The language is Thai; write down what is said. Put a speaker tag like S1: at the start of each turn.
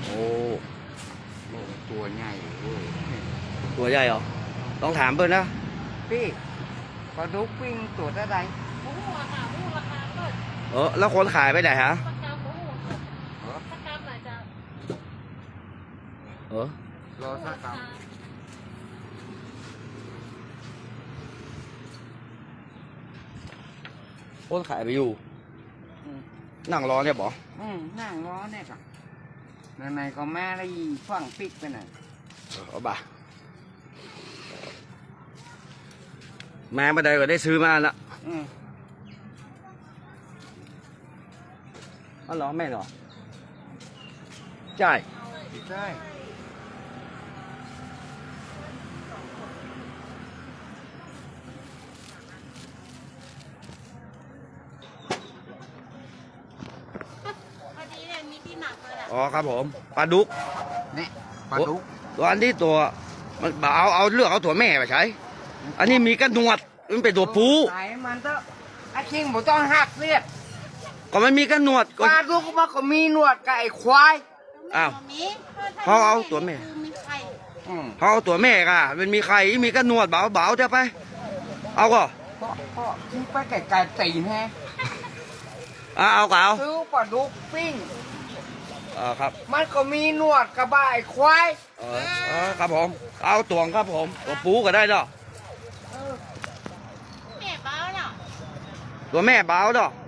S1: โอ้
S2: โอ้ตัวใหญ่เว้ย
S1: ตัวใหญ่เหรอต้องถามเพื่อนนะ
S2: พี่ปลาดุกปิ้งตัวเท่าไหร่
S3: หมูหัวค่ะหมูราคาเปิด
S1: แล้วคนขายไปไหนฮะ
S3: ประกำหมูหัวค่ะ
S2: เหรอ
S3: ประกำอาจจะ
S1: เออ
S2: รอสักครั้ง
S1: คนขายไปอยู่นั่งรอเนี่ยบอ
S2: นั่งรอเนี่ยค่ะไหนๆก็แม่ได้ฝั่งปิกไปไหนอย
S1: เอาบ่าแม่มาได้ก็ได้ซื้อมาละ
S2: อืม
S1: อ๋อเหรอแม่เหรอใช่
S2: ใช่
S3: พอดีเนี่ยมีที่หนักเลยแหละ
S1: อ๋อครับผมปลาดุก
S2: นี่ปลาดุก
S1: ตัวอันที่ตัวมันเอาเลือกเอาตัวแม่ไปใช้ อันนี้มีกระหนวดมันเป็นตัวผู้
S2: ไหนมันเถอะไอ้คิงผมต้องหักเลือด
S1: ก็มันมีกระหนวด
S2: ป
S1: ก็
S2: ลาดุกมันก็มีหนวดกับไอ้ควาย
S1: อ้าว
S3: มี
S1: เขาเอาตัวแม่
S3: คือมีไข่
S2: อืม
S1: เขาเอาตัวแม่ก่ะมันมีใครมีกระหนวดเบาๆเถอะไป เอาก็
S2: พ่อทิ้งไปไก่ๆตีนแฮะ
S1: เอาก็เอา
S2: ซื้อปลาดุกปิ้ง
S1: ครับ
S2: มันก็มีหนวดกับไอ้ควาย
S1: ครับผมเอาตวงครับผมตัวปูก็ได้เนาะ
S3: แม่เบ้าเนาะ
S1: ตัวแม่เบาเนาะ
S3: แ